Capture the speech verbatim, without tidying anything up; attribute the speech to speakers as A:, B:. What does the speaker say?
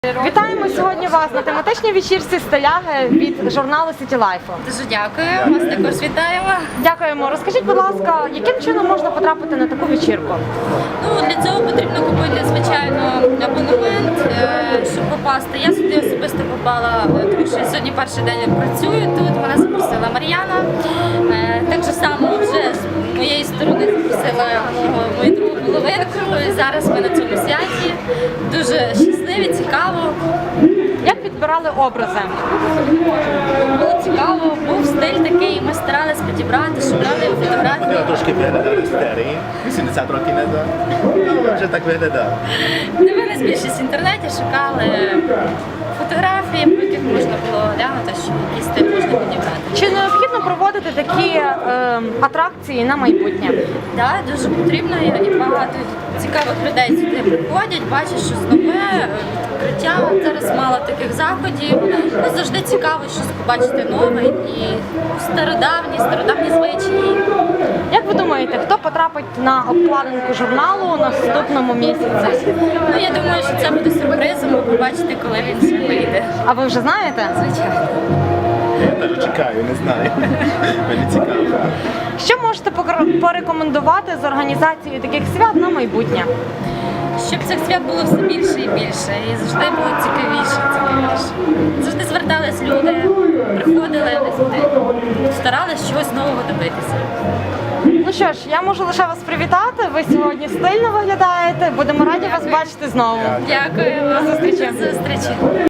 A: Вітаємо сьогодні вас на тематичній вечірці «Стиляги» від журналу City Life.
B: Дуже дякую, вас також вітаємо.
A: Дякуємо. Розкажіть, будь ласка, яким чином можна потрапити на таку вечірку?
B: Ну, для цього потрібно купити, звичайно, абонемент, е, щоб попасти. Я сюди особисто попала, е, тому що я сьогодні перший день працюю тут, мене запросила Мар'яна. Е, Так же само вже з моєї сторони запросила мого, мою другу половинку. І зараз ми на цьому святі. Дуже щасливі, цікаво.
A: Як підбирали образи?
B: Було цікаво, був стиль такий, ми старалися підібрати, шукали фотографії.
C: Хотіла трошки виглядати старі, вісімдесят років назад, але вже так виглядав.
B: Дивились більшість в інтернеті, шукали фотографії, по яких можна було глянути, що який стиль можна підібрати.
A: Чи необхідно проводити такі е, атракції на майбутнє?
B: Так, дуже потрібно і багато цікавих людей сюди приходять, бачать щось нове, відкриття. Зараз мало таких заходів. Ну, завжди цікаво щось побачити нове і стародавні, стародавні звичаї.
A: Як ви думаєте, хто потрапить на обкладинку журналу у наступному місяці?
B: Ну, я думаю, що це буде сюрпризом, ви побачите, коли він ще вийде.
A: А ви вже знаєте?
B: Звичайно.
C: Я навіть чекаю, не знаю. Мені цікаво.
A: Що можете покр- порекомендувати з організацією таких свят на майбутнє?
B: Щоб цих свят було все більше і більше, і завжди було цікавіше, цікавіше. Завжди звертались люди, приходили, старались чогось нового добитися.
A: Ну що ж, я можу лише вас привітати. Ви сьогодні стильно виглядаєте. Будемо раді вас бачити знову.
B: Дякую.
A: До зустрічі.
B: До зустрічі.